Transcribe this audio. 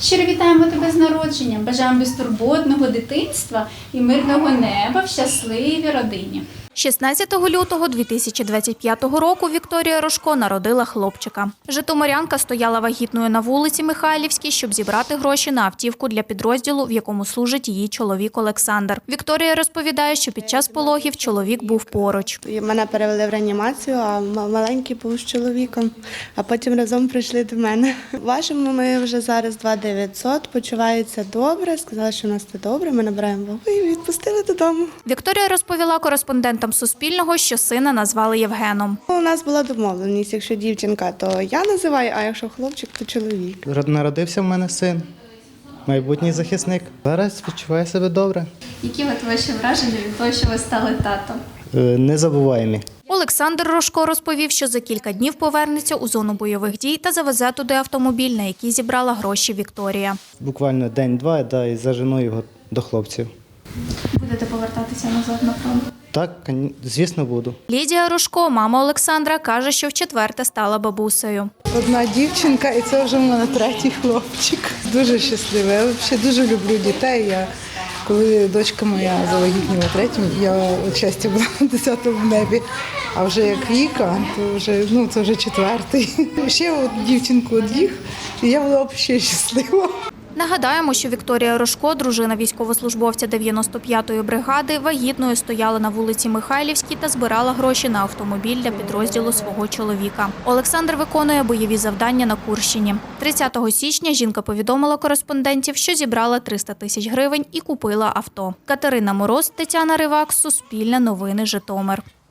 Щиро вітаємо тебе з народженням, бажаємо безтурботного дитинства і мирного неба в щасливій родині. 16 лютого 2025 року Вікторія Рожко народила хлопчика. Житомирянка стояла вагітною на вулиці Михайлівській, щоб зібрати гроші на автівку для підрозділу, в якому служить її чоловік Олександр. Вікторія розповідає, що під час пологів чоловік був поруч. Мене перевели в реанімацію, а маленький був з чоловіком, а потім разом прийшли до мене. Важимо ми вже зараз 2900, почувається добре, сказали, що у нас все добре, ми набираємо вагу і відпустили додому. Вікторія розповіла кореспондентам Суспільного, що сина назвали Євгеном. У нас була домовленість, якщо дівчинка, то я називаю, а якщо хлопчик, то чоловік. Народився в мене син, майбутній захисник. Зараз відчуваю себе добре. Які от ваші враження від того, що ви стали татом? Незабуваємі. Олександр Рожко розповів, що за кілька днів повернеться у зону бойових дій та завезе туди автомобіль, на який зібрала гроші Вікторія. Буквально день-два, і зажену його до хлопців. Будете повертатися назад на фронт? Так, звісно, буду. Лідія Рожко, мама Олександра, каже, що вчетверте стала бабусею. Одна дівчинка, і це вже в мене третій хлопчик. Дуже щаслива. Я взагалі дуже люблю дітей. Коли дочка моя завагітніла третім, я от щастя була на 10-му небі. А вже як Віка, то вже, це вже четвертий. Ще от дівчинку од'їх, і я була ще щаслива. Нагадаємо, що Вікторія Рожко, дружина військовослужбовця 95-ї бригади, вагітною стояла на вулиці Михайлівській та збирала гроші на автомобіль для підрозділу свого чоловіка. Олександр виконує бойові завдання на Курщині. 30 січня жінка повідомила кореспондентів, що зібрала 300 тисяч гривень і купила авто. Катерина Мороз, Тетяна Ривак, Суспільне новини, Житомир.